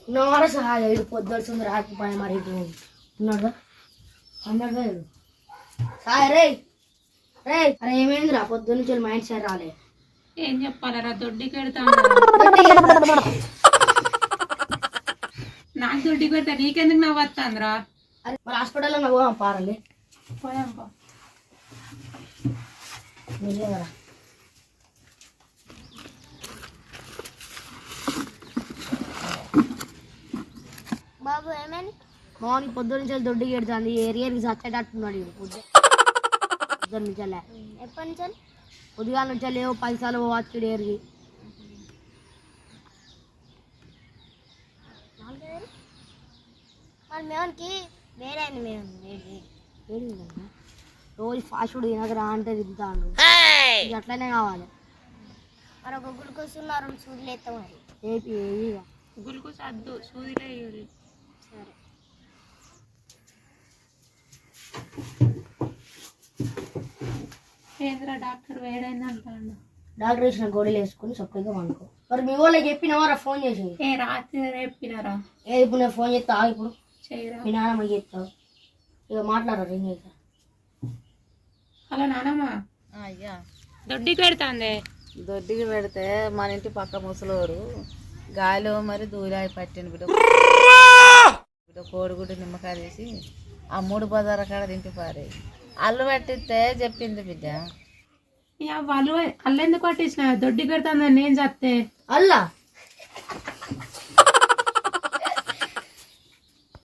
ఉన్నారా సహాయ ఇది పొద్దుడుతుంది రాకపోయా మరి ఇటు ఉన్నాడుగా అందరుగా ఇడు సాయ రే రే అరే ఏమైందిరా పొద్దు నుంచి మైండ్ సెట్ రాలే ఏం చెప్పాలరా దొడ్డికి పెడతా నాకు దొడ్డికి పెడతా నీకెందుకు నవ్వు వస్తాందిరా అరే మరి హాస్పిటల్లో నవ్వు పారండి పోయాంపా నిజంగా బాబు ఏమని మార్నింగ్ పొద్దు నుంచి దొడ్డికి ఎడుతుంది ఏరియాకి చచ్చేటట్టున్నాడు పొద్దున్న నుంచి ఎప్పటి నుంచి ఉదయాల నుంచి లేవు పైసలు వచ్చాడు ఏరికి మరి మేమకి వేరే మేము రోజు ఫాస్ట్ ఫుడ్ తినకరా అంటే తింటాను అట్లనే కావాలి మరి ఒక గ్లూకోజ్ ఉన్నారు సూదులు ఎత్తాం మరి ఏపీ ఏవిగా గుల్కోస్ అద్దు సూదిలే ఇవ్వాలి సరే ఏంద్రా డాక్టర్ వేడైంది అంటాడు డాక్టర్ వేసిన గోళీలు వేసుకుని చక్కగా వండుకో మరి మీ వాళ్ళకి చెప్పినవారా ఫోన్ చేసి ఏ రాత్రి రేపినారా ఏ ఇప్పుడు నేను ఫోన్ చేస్తా ఇప్పుడు చేయరా మీ నాన్నమ్మ చెప్తావు ఇక మాట్లాడరా రింగ్ చేస్తా హలో నానమ్మ అయ్యా దొడ్డికి పెడతాందే దొడ్డికి పెడితే మన ఇంటి పక్క ముసలోరు గాలిలో మరి దూరాయి పట్టింది బిడ్డ బిడ్డ కోడిగుడ్డు నిమ్మకాయ తీసి ఆ 3 బజార కాడ తింటి పారే అల్లు పట్టిస్తే చెప్పింది బిడ్డ వాళ్ళు అల్లెందుకు పట్టించిన దొడ్డికి పెడతాందని నేను చెప్తే అల్లా